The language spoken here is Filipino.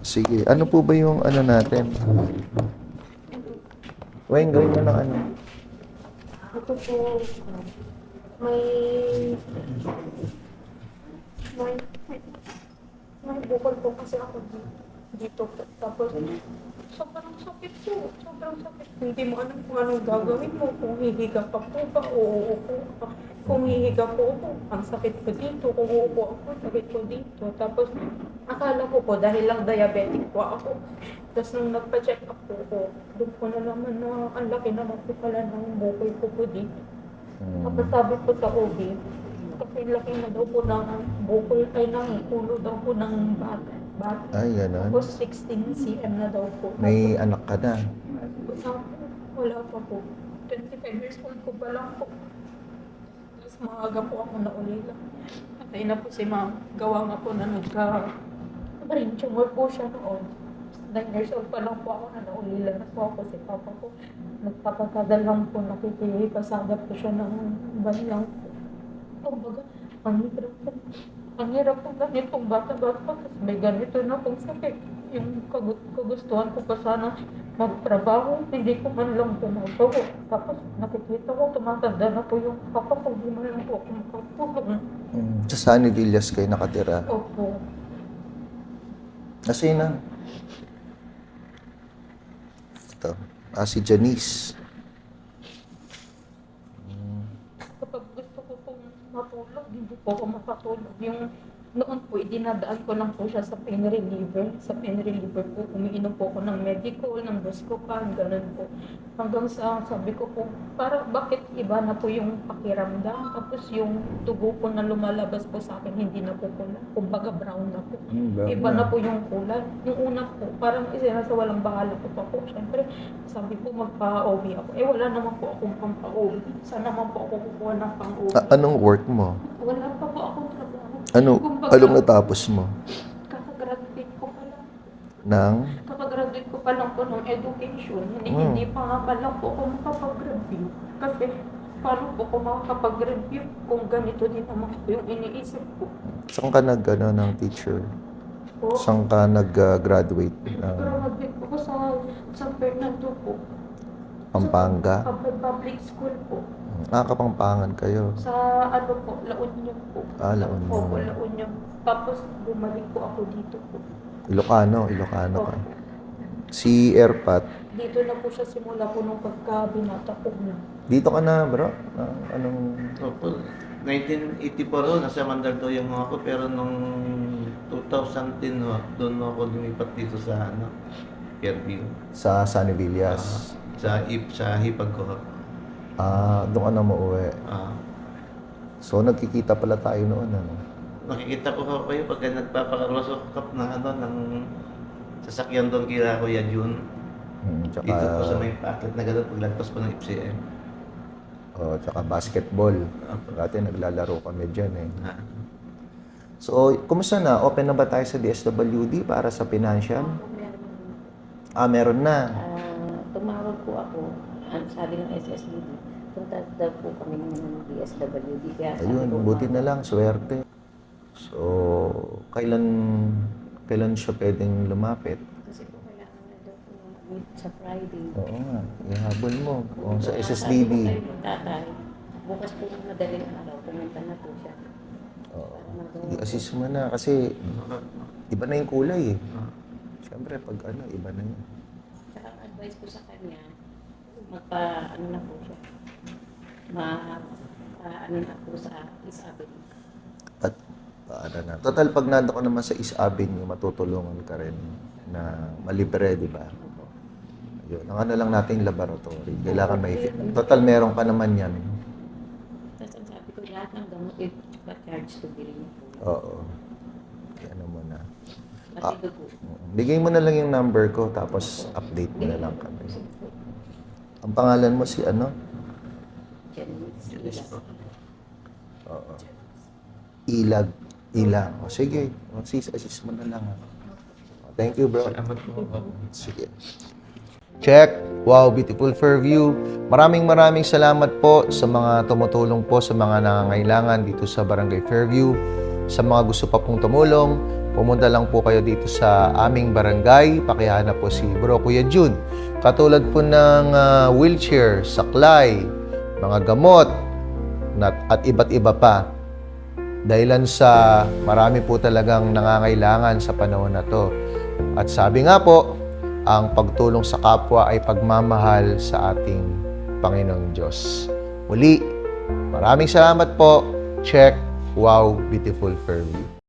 Sige, ano po ba yung ano natin? Wayne, gawin mo ng ano. Ito po, may, may, may bukol po kasi ako dito po. Tapos, sobrang sakit po. Sobrang sakit. Hindi mo alam kung anong gagawin mo. Kung hihiga ka po ba o uupo ka. Kung hihiga po ako, ang sakit ko dito. Kung uupo ako, sakit ko dito. Tapos, akala ko po, dahil lang diabetic po ako. Tapos nung nagpa-check up po ko, doon ko na naman na ang laki naman po pala ng bukol ko po dito. Tapos sabi ko sa OB, kasi laki na daw po ng bukol ay ng ulo daw po ng bata. Ay, gano'n. Tapos 16 cm na daw po. May anak ka na. Wala pa po. 25 years old ko pa lang po. Tapos maaga po ako naulila. Patay na po si ma'am. Gawa nga po na brain tumor po siya noon. 9 years old pa lang po ako na naulila na po ako si papa ko. Nagpapasada lang po, nakikipasada po siya ng banlang po. Kumbaga, ang hirap po ganitong bata-bata kasi may ganito na pong sakit. Yung kagustuhan ko pa sana magtrabaho, hindi ko man lang tumatawa. Tapos nakikita ko, tumatanda na po yung papa ko, hindi man lang po ako makatulong. Sa Sunny Villas kayo nakatira. Opo. Kasi na. Ito. Si Janice. Kapag gusto ko pong matulog, hindi po ako makatulog. Yung noon po, idinadaan ko lang po siya sa pain reliever. Sa pain reliever po, umiinom po ako ng Medicol, ng Buscopan, ganun po. Hanggang sa sabi ko po, para bakit iba na po yung pakiramdam? Tapos yung tugo po na lumalabas po sa akin, hindi na po pula. Kumbaga brown na po. Iba na po yung kulay. Yung una po, parang isa sa walang bahala po pa po. Siyempre, sabi po magpa-OB ako. Wala naman po akong pang-OB. Saan naman po ako kukuha ng pang-OB? Anong work mo? Wala pa po akong trabaho. Anong natapos mo? Kakagraduate ko pa lang. Kakagraduate ko pa lang po ng education. Hindi pa nga pa lang po ako makapag-review. Kasi paano po ako makakapag-review kung ganito din naman po yung iniisip ko. Saan ka ng teacher? Po, Saan ka nag-graduate? graduate po ko sa San Fernando po. Pampanga? Sa public school po. Kapampangan kayo. Sa ano po, La Union po. La Union. Opo, La Union. Tapos bumalik po ako dito po. Ilocano ka. Si Erpat, Dito na po siya simula po nung pagkabinata po na. dito ka na bro? Anong... Opo, 1984 ho, nasa Mandaluyong ako, pero nung 2010 ho, doon ako lumipat dito sa Fairview. Sa Sunny Villas. Sa hipag ko ho. Doon ka na mauwi. So, nagkikita pala tayo noon, ano? Nakikita ko ho kayo pagka nagpapakarosokap ng sasakyan doon kila Kuya Jun. Tsaka, Dito po sa may packet na gano'n paglagpas po ng FCM. tsaka basketball. Dati naglalaro kami dyan eh. So, kumusta na? Open na ba tayo sa DSWD para sa financial? Meron na. Tumawag po ako, sabi ng SSBD, punta daw po kami ng DSWD. Kaya sabi Ayun, ko, buti na lang, swerte. So, kailan siya pwedeng lumapit? Kasi po kailangan na daw po mag-meet sa Friday. Oo nga, ihabol mo. Sa Sabi ko SSDB. kay tatay, bukas po ng madaling araw, pumunta na po siya. I-assist mo na kasi iba na yung kulay eh. Siyempre, pag iba na yun. Tsaka ang advice ko sa kanya, ano na po siya, ano na po sa East Avenue. At paano na. Total, pag nando ka naman sa East Avenue, matutulungan ka rin na malibre, di ba? Yun. Ang ano lang natin laboratory. Kailangan may fit. Total, meron ka naman yan. Tapos ang sabi ko, lahat ng gamot, charge to bilhin niyo po. Oo. Ano mo na. Pati dugo. Bigay mo na lang yung number ko, tapos update mo na lang kami. Ang pangalan mo si ano? Janice. Oo. Ilag. O, sige. O, assist mo na lang. Thank you, bro. Salamat po. Sige. Check. Wow, beautiful Fairview. Maraming salamat po sa mga tumutulong po sa mga nangangailangan dito sa Barangay Fairview. Sa mga gusto pa pong tumulong, pumunta lang po kayo dito sa aming barangay. Pakihanap po si Bro Kuya Jun. Katulad po ng wheelchair, saklay, mga gamot, at iba't iba pa. Dahilan sa marami po talagang nangangailangan sa panahon na to. At sabi nga po, ang pagtulong sa kapwa ay pagmamahal sa ating Panginoong Diyos. Muli, maraming salamat po. Check. Wow, beautiful Fairview.